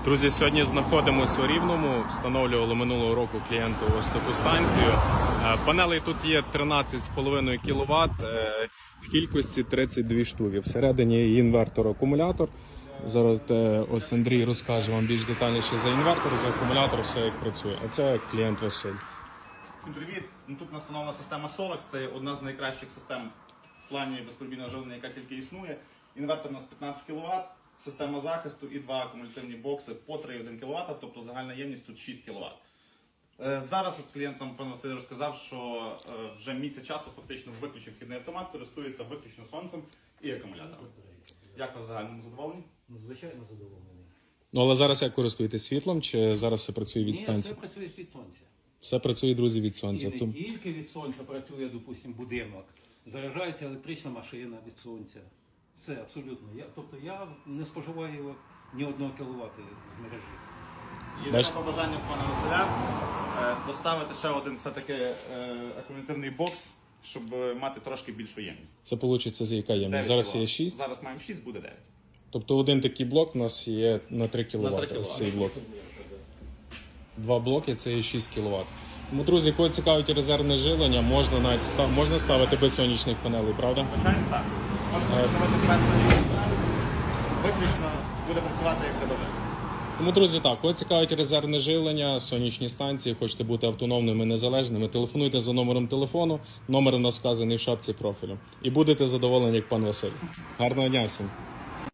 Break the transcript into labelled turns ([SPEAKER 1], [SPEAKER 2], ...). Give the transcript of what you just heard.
[SPEAKER 1] Друзі, сьогодні знаходимося у Рівному, встановлювали минулого року клієнту ось таку станцію. Панелей тут є 13,5 кВт, в кількості 32 штуки. Всередині інвертор, акумулятор. Зараз ось Андрій розкаже вам більш детальніше за інвертор, за акумулятор, все як працює. А це клієнт Василь.
[SPEAKER 2] Всім привіт! Тут настановлена система Solex, це одна з найкращих систем в плані безперебійного живлення, яка тільки існує. Інвертор у нас 15 кВт, система захисту і два акумулятивні бокси по 3,1 кВт, тобто загальна ємність тут 6 кВт. Зараз клієнт нам пан Василь розказав, що вже місяць часу фактично виключив вхідний автомат, користується виключно сонцем і акумулятором. Як ви в загальному задоволені?
[SPEAKER 3] Звичайно задоволений.
[SPEAKER 1] Ну, але зараз як користуєтесь світлом, чи зараз все працює від
[SPEAKER 3] Ні,
[SPEAKER 1] станції?
[SPEAKER 3] все працює від сонця.
[SPEAKER 1] Все працює, друзі, від сонця.
[SPEAKER 3] І не тільки від сонця працює, допустимо, будинок. Заряджається електрична машина від сонця. Все, абсолютно. Тобто я не споживаю ні 1 кВт з мережі.
[SPEAKER 2] Єдине побажання пана Василя доставити ще один все-таки акумулятивний бокс, щоб мати трошки більшу ємність.
[SPEAKER 1] Це вийде за яка ємність? Зараз є 6.
[SPEAKER 2] Зараз маємо 6, буде 9.
[SPEAKER 1] Тобто один такий блок у нас є на 3 кВт.
[SPEAKER 2] На 3 кВт.
[SPEAKER 1] Ось цей блок. Два блоки це є 6 кВт. Тому, друзі, кого цікавить резервне живлення, можна навіть можна ставити без сонячних панелей, правда?
[SPEAKER 2] Звичайно, так. Можна використовувати без сонячних. Виключно буде працювати як тебе.
[SPEAKER 1] Тому, друзі, так, кого цікавить резервне живлення, сонячні станції, хочете бути автономними, незалежними, телефонуйте за номером телефону, номер у нас вказаний в шапці профілю. І будете задоволені, як пан Василь. Гарного дня всім!